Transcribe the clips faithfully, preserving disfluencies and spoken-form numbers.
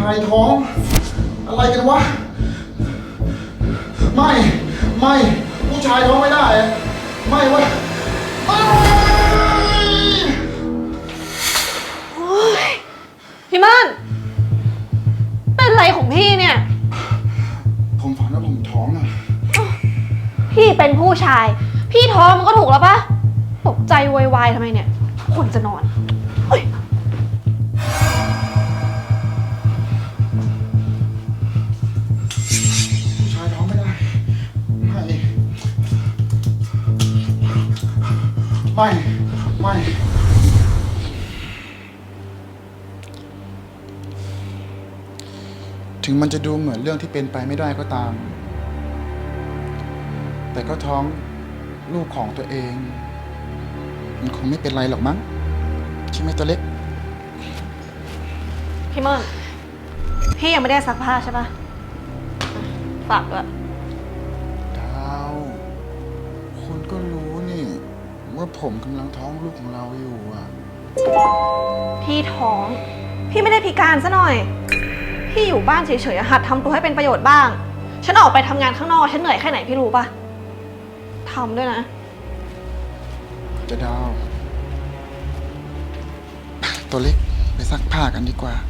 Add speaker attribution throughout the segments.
Speaker 1: ายท้องอะไรกันวะไม่ไม่ผู้ชายท้องไม่ได้ไม่วะ
Speaker 2: พี่ม่านเป็นไรของพี่เนี่ย
Speaker 1: ผมฝันว่าผมท้องอะ
Speaker 2: พี่เป็นผู้ชายพี่ท้องมันก็ถูกแล้วปะตกใจวายวายทำไมเนี่ยควรจะนอนเฮ้ย
Speaker 1: ผู้ชายท้องไม่ได้ไม่ไม่ไม่ถึงมันจะดูเหมือนเรื่องที่เป็นไปไม่ได้ก็ตามแต่ก็ท้องลูกของตัวเองมันคงไม่เป็นไรหรอกมั้งใช่ไหมตัวเล็ก
Speaker 2: พี่ม่อนพี่ยังไม่ได้ซักผ้าใช่ปะฝากด้วย
Speaker 1: ดาวคุณก็รู้นี่ว่าผมกำลังท้องลูกของเราอยู่อ่ะ
Speaker 2: พี่ท้องพี่ไม่ได้พิการซะหน่อยพี่อยู่บ้านเฉยๆหัดทำตัวให้เป็นประโยชน์บ้างฉันออกไปทำงานข้างนอกฉันเหนื่อยแค่ไหนพี่รู้ปะทำด้วยนะ
Speaker 1: จะดาวตัวเล็กไปซักผ้ากันดีกว่า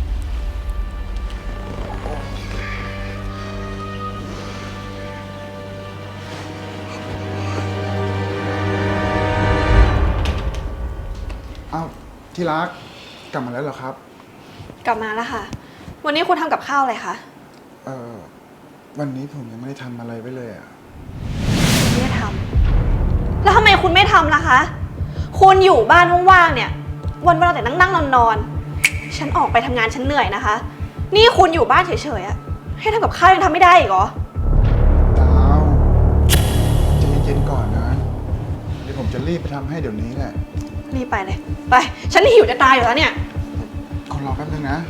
Speaker 1: เอ้าที่รักกลับมาแล้วเหรอครับ
Speaker 2: กลับมาแล้วค่ะวันนี้คุณทำกับข้าวอะไรคะ
Speaker 1: เออวันนี้ผมยังไม่ได้ทำอะไรไว้เลยอ่ะ
Speaker 2: ไม่ได้ทำแล้วทำไมคุณไม่ทำล่ะคะคุณอยู่บ้านว่างๆเนี่ยวันวันเราแต่นั่งๆนอนๆฉันออกไปทำงานฉันเหนื่อยนะคะนี่คุณอยู่บ้านเฉยๆอะให้ทำกับข้าวยังทำไม่ได้อีกเหรอ
Speaker 1: ดาวใจเย็นๆก่อนนะเดี๋ยวผมจะรีบไปทำให้เดี๋ยวนี้แหละ
Speaker 2: รีบไปเลยไปฉันหิวจะตายอยู่แล้วเนี่ย
Speaker 1: ขอรอแป๊บนึงนะ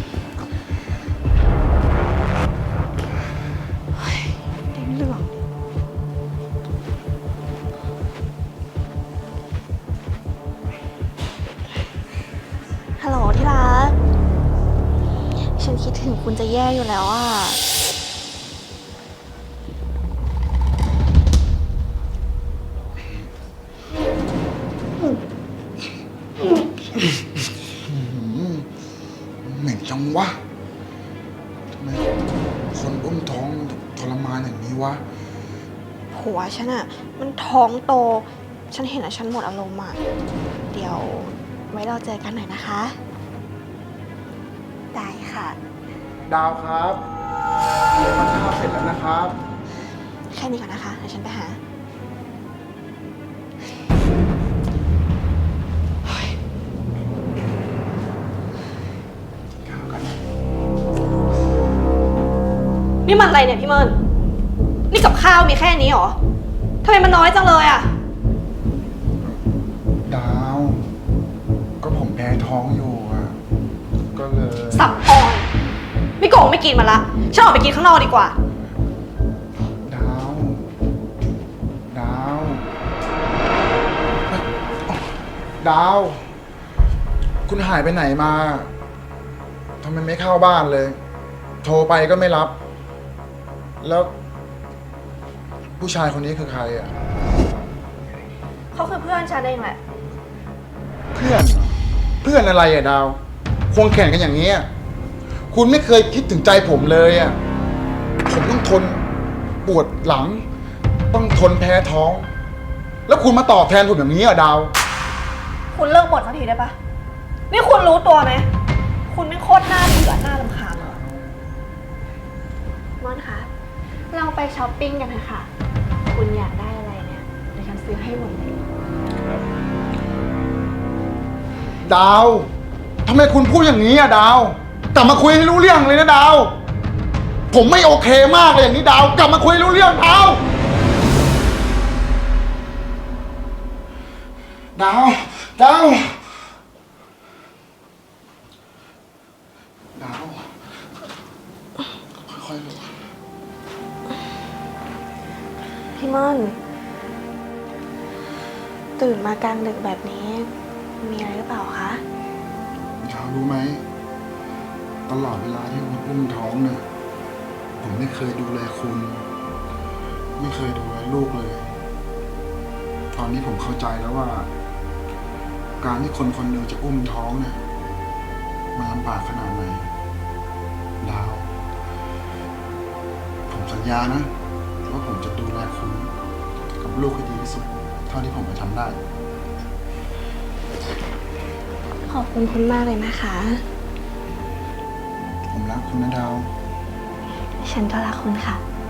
Speaker 2: เต็มเรื่องฮัลโหลที่รักฉันคิดถึงคุณจะแย่อยู่แล้วอ่ะ
Speaker 1: เหม็นจังวะทำไมคนอุ้มท้องทรมานอย่างนี้วะ
Speaker 2: ผัวฉันอะมันท้องโตฉันเห็นอะฉันหมดอารมณ์อะเดี๋ยวไว้เราเจอกันหน่อยนะคะได้ค่ะ
Speaker 1: ดาวครับทานข้าวเสร็จแล้วนะครับ
Speaker 2: แค่นี้ก่อนนะคะเดี๋ยวฉันไปหานี่มันอะไรเนี่ยพี่เมินนี่กับข้าวมีแค่นี้หรอทำไมมันน้อยจังเลยอ่ะ
Speaker 1: ดาวก็ผมแพ้ท้องอยู่อ่ะก็เลย
Speaker 2: สับอ่อนไม่โกงไม่กินมันละฉันออกไปกินข้างนอกดีกว่า
Speaker 1: ดาวดาวดาวคุณหายไปไหนมาทำไมไม่เข้าบ้านเลยโทรไปก็ไม่รับแล้วผู้ชายคนนี้คือใครอ่ะ
Speaker 2: เขาคือเพื่อนฉันเองแหละ
Speaker 1: เพื่อนเพื่อนอะไรอ่ะดาวควงแข่งกันอย่างนี้คุณไม่เคยคิดถึงใจผมเลยอ่ะผมต้องทนปวดหลังต้องทนแพ้ท้องแล้วคุณมาตอบแทนผมอย่างนี้อ่ะดาว
Speaker 2: คุณเลิกบ่นสักทีได้ปะนี่คุณรู้ตัวไหมคุณไม่โคตรหน้าเบื่อหน้ารำคาญเลยมอนคะเราไปช้อปปิ้งกันเถอะค่ะคุณอยากได้อะไรเนี่ยเดี๋ยวฉันซื้อให้หมดเลย
Speaker 1: ดาวทำไมคุณพูดอย่างนี้อ่ะดาวกลับมาคุยให้รู้เรื่องเลยนะดาวผมไม่โอเคมากเลยอย่างนี้ดาวกลับมาคุยรู้เรื่องดาวดาวดาวดาวค่อยๆลง
Speaker 2: พี่ม่อนตื่นมากลางดึกแบบนี้มีอะไรหรือเปล่าคะ
Speaker 1: ดาวรู้ไหมตลอดเวลาที่คุณอุ้มท้องเนี่ย ผมไม่เคยดูแลคุณ ไม่เคยดูแลลูกเลย ตอนนี้ผมเข้าใจแล้วว่า การที่คนคนหนึ่งจะอุ้มท้องเนี่ย มันลำบากขนาดไหน ดาว ผมสัญญานะว่าผมจะดูแลคุณกับลูกให้ดีที่สุด เท่าที่ผมจะทำได้
Speaker 2: ขอบคุณคุณมากเลยนะคะ
Speaker 1: ผมรักคุณนะดาว
Speaker 2: ฉันก็รักคุณค่ะ